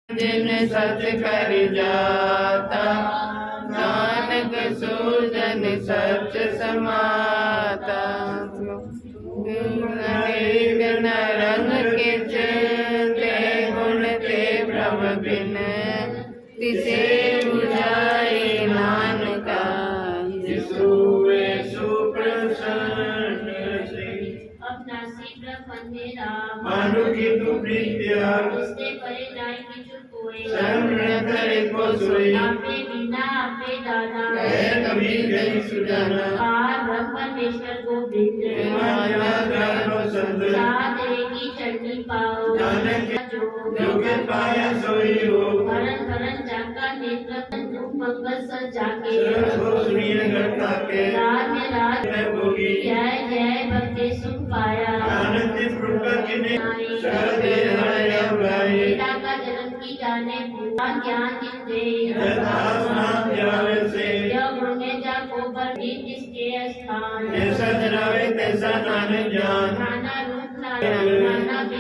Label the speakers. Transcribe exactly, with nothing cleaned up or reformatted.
Speaker 1: जिन सच कर जाता, नानक सूजन सच समाता। अनेक न रंग किच, ते गुण ते प्रभ बिन, तिसे बुझाए नानका। जिसु वे सुप्रसन्न से,
Speaker 2: अपना शीघ्र फंदे राम।
Speaker 1: मानु की तू प्रीत्या,
Speaker 2: उसने परे जाय किछु कोय।
Speaker 1: शरण करे को सोई,
Speaker 2: आपे बिना आपे दाता।
Speaker 1: कहे कबीर गई सुजाना।
Speaker 2: पार ब्रह्म परमेश्वर गोविंद,
Speaker 1: माया ग्रह संत,
Speaker 2: साध की चरणी पाओ।
Speaker 1: नानक
Speaker 2: जो
Speaker 1: जो के पाया सोई हो।
Speaker 2: भरन भरन जाका नेत्र मंगल सर जाके।
Speaker 1: शरण को सुनिए घटा के,
Speaker 2: राज में राज
Speaker 1: में भोगी।
Speaker 2: जय जय भक्ति सुख पाया।
Speaker 1: आनंद प्रभु किने सहदे हरे अवराई।
Speaker 2: पिता का जन्म की जाने भूला ज्ञान जिन दे।
Speaker 1: यथास नाम ध्यावे से,
Speaker 2: जब होने जाको पर भी जिसके स्थान।
Speaker 1: जैसा जनावे तैसा नानक जान।
Speaker 2: नाना रूप नाना नाना